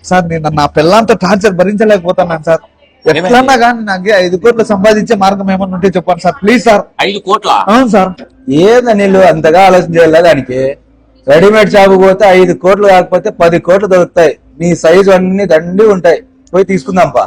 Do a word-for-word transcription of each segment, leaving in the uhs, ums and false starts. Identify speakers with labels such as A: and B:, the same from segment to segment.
A: Sir నేను నా పిల్లలతో టార్చర్ భరించలేకపోతున్నాను సార్. ఎట్లన్నా కానీ నాకు ఐదు కోట్లు సంపాదించే మార్గం ఏమన్నా ఉంటే చెప్పండి సార్ ప్లీజ్ సార్.
B: ఐదు కోట్ల
A: అవును సార్.
C: ఏందా నీళ్ళు అంతగా ఆలోచన చేయాలి దానికి? రెడీమేడ్ షాప్ పోతే ఐదు కోట్లు కాకపోతే పది కోట్లు దొరుకుతాయి. నీ సైజు అన్ని దండి ఉంటాయి, పోయి తీసుకుందాంపా.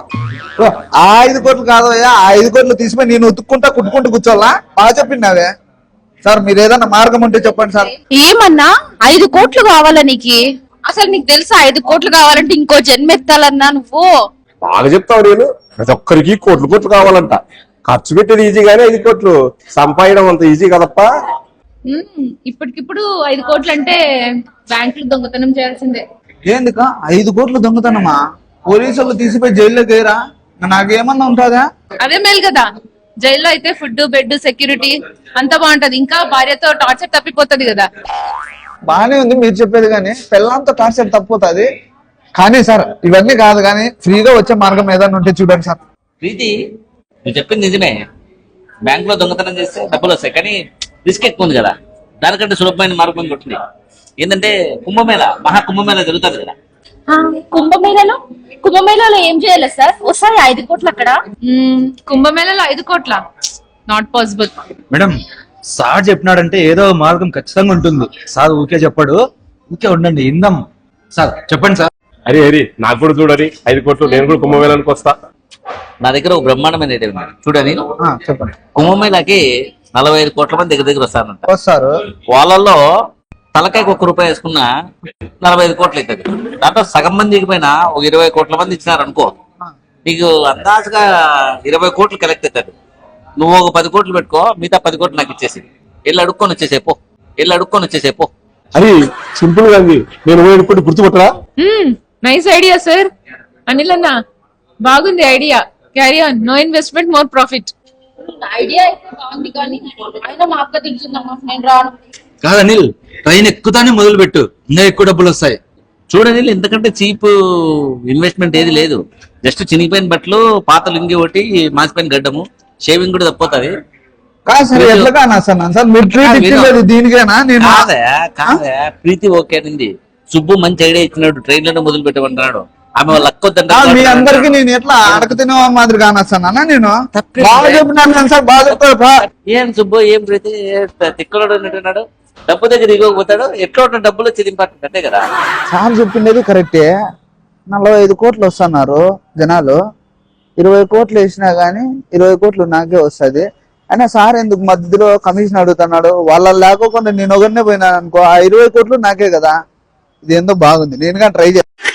A: ఆ ఐదు కోట్లు కాదయ్యా, ఆ ఐదు కోట్లు తీసుకుని నేను ఉతుక్కుంటా కుట్టుకుంటూ కూర్చోవాలా? బాగా చెప్పింది సార్. మీరు ఏదన్నా మార్గం ఉంటే చెప్పండి సార్.
D: ఏమన్నా ఐదు కోట్లు కావాలా నీకు? అసలు నీకు తెలుసా ఐదు కోట్లు కావాలంటే ఇంకో జన్మెత్తాలన్నా నువ్వు?
E: బాగా చెప్తావు నేను. ప్రతి ఒక్కరికి కోట్లు కోట్లు కావాలంట. ఖర్చు పెట్టేది ఈజీగానే, ఐదు కోట్లు సంపాదడం అంత ఈజీ కదప్పా.
D: ఇప్పటికిప్పుడు ఐదు కోట్లు అంటే బ్యాంకులు దొంగతనం చేయాల్సిందే.
A: ఏందుక ఐదు కోట్లు దొంగతనమా? పోలీసులు తీసిపోయి జైల్లోకి వేయరా? నాకేమన్నా ఉంటుందా?
D: అదే మేలు కదా. జైల్లో అయితే ఫుడ్, బెడ్, సెక్యూరిటీ అంతా బాగుంటది. ఇంకా భార్యతో టార్చర్ తప్పిపోతుంది కదా.
A: బానే ఉంది మీరు చెప్పేది, కానీ పిల్లలతో టార్చర్ తప్పిపోతుంది. కానీ సార్ ఇవన్నీ కాదు, కానీ ఫ్రీగా వచ్చే మార్గం ఏదైనా ఉంటే చూడండి సార్.
B: ప్రీతి నువ్వు చెప్పింది నిజమే. బ్యాంక్ లో దొంగతనం చేస్తే డబ్బులు వస్తాయి, కానీ రిస్క్ ఎక్కువ ఉంది కదా. దానికంటే సులభమైన మార్గం కొట్టింది ఏంటంటే కుంభమేళ, మహా కుంభమేళ జరుగుతుంది కదా.
D: కుంభమేళలో కుంభమేళలో ఏం చేయాలి సార్? వస్తాయి ఐదు కోట్లు అక్కడ. కుంభమేళలో ఐదు కోట్ల నాట్ పాసిబుల్.
C: మేడం సార్ చెప్పినాడంటే ఏదో మార్గం ఖచ్చితంగా ఉంటుంది. సార్ ఊకే చెప్పాడు, ఊకే ఉండండి ఇందాం. సార్ చెప్పండి సార్.
E: అరే హరి నాకు కూడా చూడని ఐదు కోట్లు, నేను కూడా కుంభమేళానికి వస్తా.
B: నా దగ్గర ఒక బ్రహ్మాండమైన ఐడియా ఉంది చూడని.
A: చెప్పండి.
B: కుంభమేళకి నలభై ఐదు కోట్ల మంది దగ్గర దగ్గర వస్తారంట.
A: వస్తారు.
B: వాళ్ళల్లో తలకాయకి ఒక్క రూపాయి వేసుకున్నా నలభై ఐదు కోట్లు అవుతుంది. దాంట్లో సగం మంది దిగిపోయినా ఒక ఇరవై కోట్ల మంది ఇచ్చినారు అనుకో, నీకు అందాజుగా ఇరవై కోట్లు కలెక్ట్ అవుతాడు. నువ్వు ఒక పది కోట్లు పెట్టుకో, మిగతా పది కోట్లు నాకు ఇచ్చేసి వెళ్ళి అడుక్కొని వచ్చేసేపో వెళ్ళి అడుక్కొని వచ్చేసేపో
E: అది సింపుల్ గా ఉంది. నేను పోయి గుర్తుపట్టరా?
D: Nice idea sir. అనిల్ అన్న బాగుంది idea. Carry on. No investment more profit. Idea అయితే బాగుంది, కానీ అయినా మా అక్క తింటుందమ్మా, నేను రాను.
C: కాదు అనిల్, ట్రైన్ ఎక్కుతానే మొదలు పెట్టు, ఇంకా ఎక్కువ డబ్బులు వస్తాయి.
B: చూడని ఇంతకంటే చీప్ ఇన్వెస్ట్మెంట్ ఏది లేదు. జస్ట్ చినిగిపోయిన బట్టలు, పాత లుంగి ఒకటి, మాసిపోయిన గడ్డము, షేవింగ్ కూడా తప్పుతుంది.
A: కాదు సార్, ఎట్లా కానా సార్? సార్ మీరు ట్రీట్ ఇచ్చింది దీనికేనా? నేను
B: కాదా కాదా ప్రీతి ఓకే అనింది. సుబ్బు మంచి ఐడియా ఇచ్చినాడు, ట్రైన్ లోనే మొదలు పెట్టమంటున్నాడు. ఆమె వాళ్ళ అక్కొద్దంట.
A: మీ అందరికి నేను ఎట్లా అడక తినే మాదిరి కానొస్తానా? నేను బాగా చెప్పినాను సార్, బాగా చెప్తారు.
B: ఏం సుబ్బు ఏం ప్రీతి తిక్కలోడు అన్నట్టున్నాడు. డబ్బు దగ్గర దిగకపోతాడు, ఎట్లా ఉన్న డబ్బులు చిరింపాటు అంతే కదా.
A: సార్ చెప్పిండేది కరెక్టే. నలభై ఐదు కోట్లు వస్తున్నారు జనాలు, ఇరవై కోట్లు వేసినా గానీ ఇరవై కోట్లు నాకే వస్తుంది. అయినా సార్ ఎందుకు మధ్యలో కమిషన్ అడుగుతున్నాడు? వాళ్ళ లేకోకుండా నేను ఒకరినే పోయినాను అనుకో, ఆ ఇరవై కోట్లు నాకే కదా. ఇది ఏందో బాగుంది, నేను కానీ ట్రై చేస్తాను.